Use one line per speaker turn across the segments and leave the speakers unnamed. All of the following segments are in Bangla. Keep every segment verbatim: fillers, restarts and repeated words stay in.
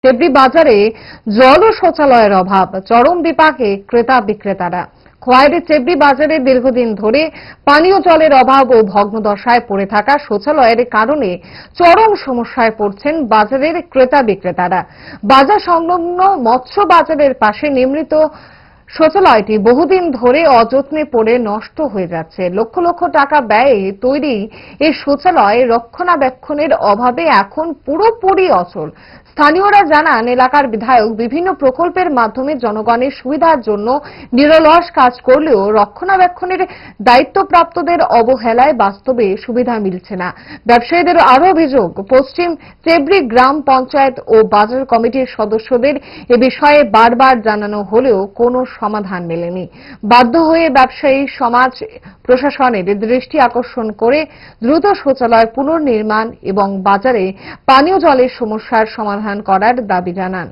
তেবরি বাজারে জল ও শৌচালয়ের অভাব, চরম বিপাকে ক্রেতা বিক্রেতারা। খোয়াইয়ের চেবরি বাজারে দীর্ঘদিন ধরে পানীয় জলের অভাব ও ভগ্নদশায় পড়ে থাকা শৌচালয়ের কারণে চরম সমস্যায় পড়ছেন বাজারের ক্রেতা বিক্রেতারা। বাজার সংলগ্ন মৎস্য বাজারের পাশে নির্মিত শৌচালয়টি বহুদিন ধরে অযত্নে পড়ে নষ্ট হয়ে যাচ্ছে। লক্ষ লক্ষ টাকা ব্যয়ে তৈরি এই শৌচালয় রক্ষণাবেক্ষণের অভাবে এখন পুরোপুরি অচল। স্থানীয়রা জানান, এলাকার বিধায়ক বিভিন্ন প্রকল্পের মাধ্যমে জনগণের সুবিধার জন্য নিরলস কাজ করলেও রক্ষণাবেক্ষণের দায়িত্বপ্রাপ্তদের অবহেলায় বাস্তবে সুবিধা মিলছে না। ব্যবসায়ীদের আরও অভিযোগ, পশ্চিম চেবরি গ্রাম পঞ্চায়েত ও বাজার কমিটির সদস্যদের এ বিষয়ে বারবার জানানো হলেও কোনো সমাধান মেলেনি। বাধ্য হয়ে ব্যবসায়ী সমাজ প্রশাসনের দৃষ্টি আকর্ষণ করে দ্রুত শৌচালয় পুনর্নির্মাণ এবং বাজারে পানীয় জলের সমস্যার সমাধান করার দাবি জানান।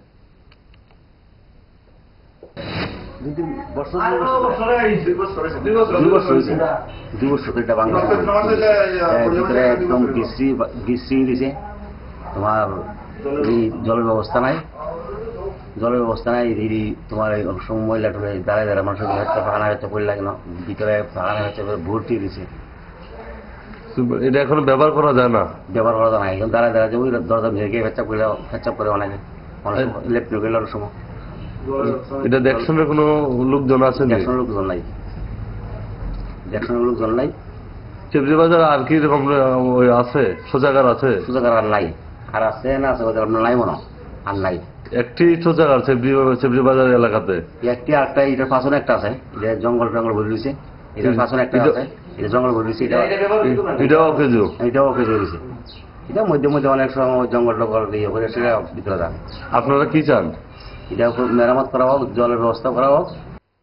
তোমার এই জলের ব্যবস্থা নাই জলের ব্যবস্থা নাই এই তোমার অনেক সময় মহিলা টুলে দাঁড়ায় দাঁড়ায় মানুষের হচ্ছে ফাঁকানা হচ্ছে পড়ে লাগে না, ভিতরে ফাঁকানা হচ্ছে ভর্তি দিছে।
এটা এখন ব্যবহার করা যায় না,
ব্যবহার করা যায় না। এখন দাঁড়ায় দাঁড়ায় ওই দরজা ভেঙে ফেচ্চাপ করে ফেচ্চাপ করে অনেকে অনেক লেপটে গেলে অনেক সময়।
এটা দেখশনের কোনো লোকজন আছে?
দেখশনের লোকজন নাই, দেখশনের লোকজন নাই।
চেবরি বাজার আর কি রকম আছে? শৌচাগার আছে?
শৌচাগার আর নাই, আর আছে না আছে আপনার নাই মনে আর নাই।
একটি শৌচাগার চেবরি চেবরি বাজার এলাকাতে
একটি আরেকটা এটার পাশনে একটা আছে, এটা জঙ্গল টঙ্গল ভরে দিয়েছে। এটার পাশনে একটা আছে, এটা জঙ্গল ভরে দিয়েছে।
এটাও অকেজো,
এটাও অকেজো হয়েছে। এটা মধ্যে মধ্যে অনেক সময় জঙ্গল টঙ্গল ইয়ে করে সেটা ভিতরে যান।
আপনারা কি চান?
এটা মেরামত করা হোক, জলের ব্যবস্থা করা হোক।